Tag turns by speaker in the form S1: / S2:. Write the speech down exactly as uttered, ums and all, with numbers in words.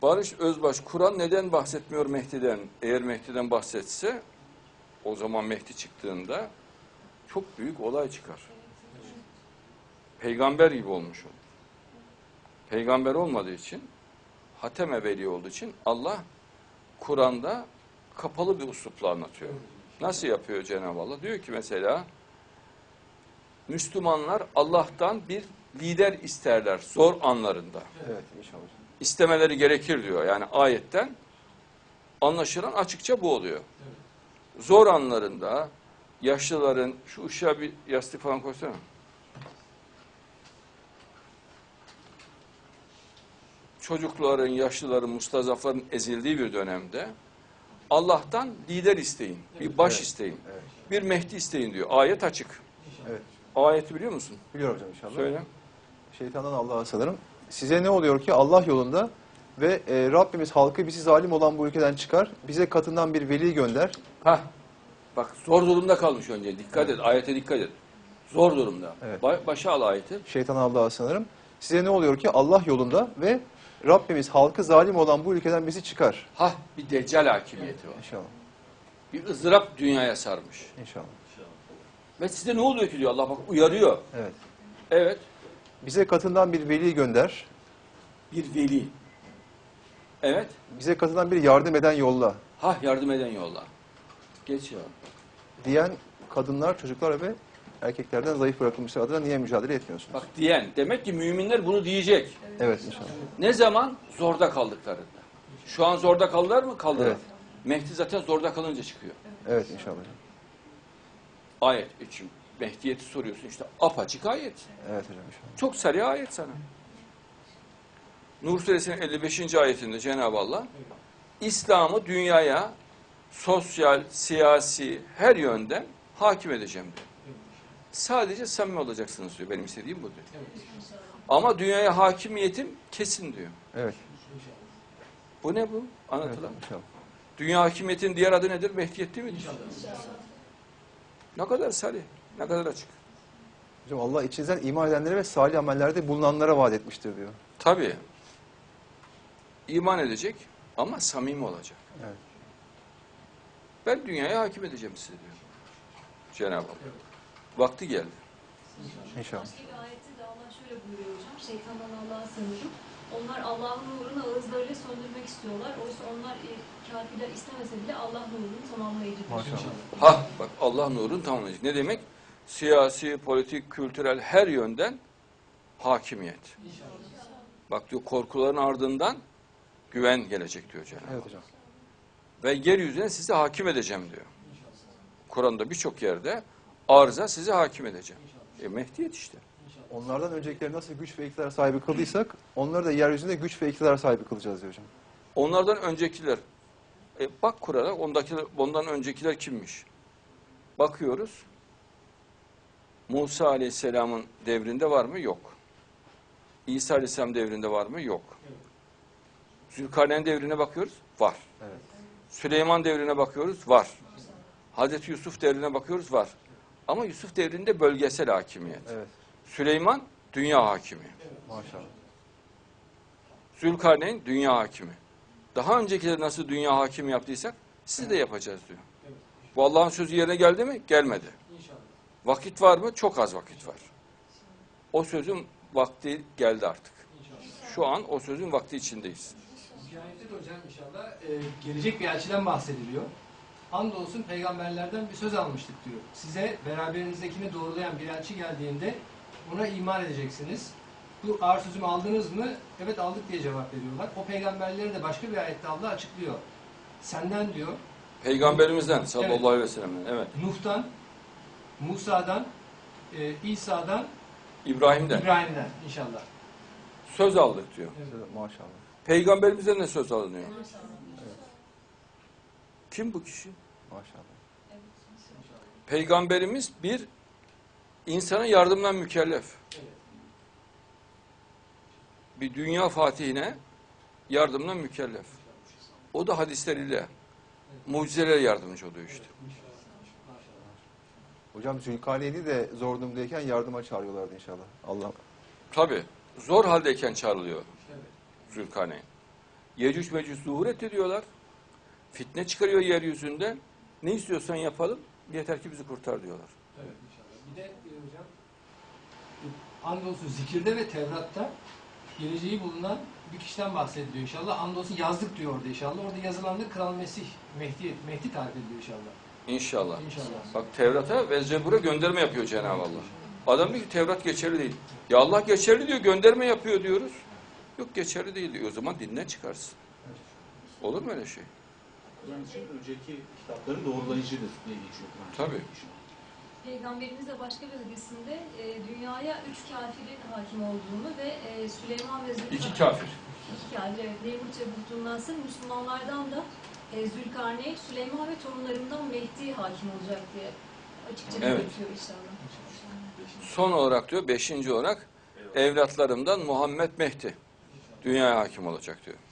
S1: Barış Özbaş, Kur'an neden bahsetmiyor Mehdi'den? Eğer Mehdi'den bahsetse, o zaman Mehdi çıktığında çok büyük olay çıkar. Peygamber gibi olmuş olur. Peygamber olmadığı için, Hatem-i Veli olduğu için Allah Kur'an'da kapalı bir üslupla anlatıyor. Nasıl yapıyor Cenab-ı Allah? Diyor ki mesela, Müslümanlar Allah'tan bir lider isterler zor anlarında.
S2: Evet, inşallah.
S1: İstemeleri gerekir diyor. Yani ayetten anlaşılan açıkça bu oluyor. Zor anlarında yaşlıların, şu ışığa bir yastık falan koysana. Çocukların, yaşlıların, mustazafların ezildiği bir dönemde Allah'tan lider isteyin, bir baş
S2: Evet.
S1: isteyin,
S2: Evet.
S1: bir Mehdi isteyin diyor. Ayet açık.
S2: Evet.
S1: Ayeti biliyor musun?
S2: Biliyorum hocam inşallah.
S1: Söyle.
S2: Şeytandan Allah'a sığınırım. Size ne oluyor ki Allah yolunda ve e, Rabbimiz halkı bizi zalim olan bu ülkeden çıkar. Bize katından bir veli gönder.
S1: Hah. Bak zor durumda kalmış önce. Dikkat et. Ayete dikkat et. Zor durumda.
S2: Evet.
S1: Ba başa al ayeti.
S2: Şeytandan Allah'a sığınırım. Size ne oluyor ki Allah yolunda ve Rabbimiz halkı zalim olan bu ülkeden bizi çıkar.
S1: Hah, bir deccal hakimiyeti var.
S2: İnşallah.
S1: Bir ızdırap dünyaya sarmış.
S2: İnşallah.
S1: Ve size ne oluyor ki diyor Allah, bak uyarıyor.
S2: Evet.
S1: Evet.
S2: Bize katından bir veli gönder.
S1: Bir veli. Evet.
S2: Bize katından bir yardım eden yolla.
S1: Hah, yardım eden yolla. Geç ya.
S2: Diyen kadınlar, çocuklar ve erkeklerden zayıf bırakılmışlar adına niye mücadele etmiyorsunuz?
S1: Bak diyen. Demek ki müminler bunu diyecek.
S2: Evet inşallah.
S1: Ne zaman? Zorda kaldıklarında. Şu an zorda kaldılar mı? Kaldılar.
S2: Evet.
S1: Mehdi zaten zorda kalınca çıkıyor.
S2: Evet inşallah.
S1: Ayet için Mehdiyeti soruyorsun, işte apaçık ayet.
S2: Evet hocam inşallah.
S1: Çok sarı ayet sana. Nur Suresinin elli beşinci ayetinde Cenab-ı Allah İslam'ı dünyaya sosyal, siyasi her yönden hakim edeceğim diyor. Sadece samimi olacaksınız diyor. Benim istediğim bu diyor. Ama dünyaya hakimiyetim kesin diyor.
S2: Evet.
S1: Bu ne bu? Anlatılan.
S2: Evet, inşallah.
S1: Dünya hakimiyetinin diğer adı nedir? Mehdiyet değil midir? Ne kadar sarı, ne kadar açık.
S2: Hocam Allah içinizden iman edenlere ve salih amellerde bulunanlara vaat etmiştir diyor.
S1: Tabii. İman edecek ama samimi olacak.
S2: Evet.
S1: Ben dünyaya hakim edeceğim size diyor Cenab-ı Allah. Vakti geldi.
S2: İnşallah.
S3: Başka bir ayette de Allah şöyle buyuruyor hocam. Şeytandan Allah'a sığınırım. Onlar Allah'ın nurunu ağızlarıyla söndürmek istiyorlar. Oysa onlar e, kafirler istemese bile Allah nurunu tamamlayıcıdır.
S2: Maşallah.
S1: Ha bak, Allah nurunu tamamlayacak. Ne demek? Siyasi, politik, kültürel her yönden hakimiyet. Bak diyor, korkuların ardından güven gelecek diyor Cenab-ı Allah.
S2: Evet hocam.
S1: Ve yeryüzüne sizi hakim edeceğim diyor. Kur'an'da birçok yerde arza sizi hakim edeceğim. E Mehdiyet işte.
S2: Onlardan öncekileri nasıl güç ve iktidar sahibi kıldıysak onları da yeryüzünde güç ve iktidar sahibi kılacağız diyor hocam.
S1: Onlardan öncekiler, e bak Kur'an'a, ondakiler, ondan öncekiler kimmiş? Bakıyoruz. Musa Aleyhisselam'ın devrinde var mı? Yok. İsa Aleyhisselam devrinde var mı? Yok. Zülkarneyn devrine bakıyoruz. Var.
S2: Evet.
S1: Süleyman devrine bakıyoruz. Var. Hazreti Yusuf devrine bakıyoruz. Var. Ama Yusuf devrinde bölgesel hakimiyet.
S2: Evet.
S1: Süleyman dünya hakimi.
S2: Maşallah.
S1: Zülkarneyn dünya hakimi. Daha öncekileri nasıl dünya hakimi yaptıysak siz de yapacağız diyor. Bu Allah'ın sözü yerine geldi mi? Gelmedi. Vakit var mı? Çok az vakit var. O sözün vakti geldi artık. Şu an o sözün vakti içindeyiz.
S4: Hikayette de hocam inşallah e, gelecek bir elçiden bahsediliyor. Andolsun peygamberlerden bir söz almıştık diyor. Size beraberinizdekini doğrulayan bir elçi geldiğinde ona iman edeceksiniz. Bu ağır sözümü aldınız mı? Evet aldık diye cevap veriyorlar. O peygamberleri de başka bir ayette Allah açıklıyor. Senden diyor.
S1: Peygamberimizden sallallahu
S4: Evet.
S1: aleyhi ve sellem'den. Evet.
S4: Nuh'tan, Musa'dan, e, İsa'dan,
S1: İbrahim'den.
S4: İbrahim'den inşallah.
S1: Söz aldık diyor.
S4: Evet.
S2: Maşallah.
S1: Peygamberimizden de söz alınıyor. Kim bu kişi?
S2: Maşallah.
S1: Peygamberimiz bir insana yardımdan mükellef. Bir dünya fatihine yardımdan mükellef. O da hadisleriyle, mucizeler yardımcı oluyor işte.
S2: Hocam Zülkarneyn'i de zor durumdayken yardıma çağırıyorlardı inşallah. Allah.
S1: Tabii. Zor haldeyken çağrılıyor Zülkarneyn. Yecüc Mecüc zuhur etti diyorlar. Fitne çıkarıyor yeryüzünde. Ne istiyorsan yapalım, yeter ki bizi kurtar diyorlar.
S4: Evet inşallah. Bir de e, hocam e, andolsun zikirde ve Tevrat'ta geleceği bulunan bir kişiden bahsediliyor inşallah. Andolsun yazdık diyor orada inşallah. Orada yazılandı Kral Mesih, Mehdi, Mehdi tarif ediliyor inşallah.
S1: İnşallah.
S4: İnşallah.
S1: Bak Tevrat'a ve Zebur'a gönderme yapıyor Cenab-ı Allah. Adam diyor ki Tevrat geçerli değil. Ya Allah geçerli diyor, gönderme yapıyor diyoruz. Yok geçerli değil diyor. O zaman dinden çıkarsın. Olur mu öyle şey?
S5: Yani için önceki kitapların doğrulayıcıdır diye geçiyor Kur'an.
S1: Tabii.
S3: Peygamberimiz de başka bir hadisinde e, dünyaya üç kafirin hakim olduğunu ve e, Süleyman ve Zülkarneyn...
S1: İki kafir.
S3: İki kafir, evet. Nemrut ve Buhtun'dan Müslümanlardan da e, Zülkarneyn, Süleyman ve torunlarından Mehdi hakim olacak diye açıkça
S1: Evet.
S3: belirtiyor inşallah.
S1: Son olarak diyor, beşinci olarak evlatlarımdan Muhammed Mehdi dünyaya hakim olacak diyor.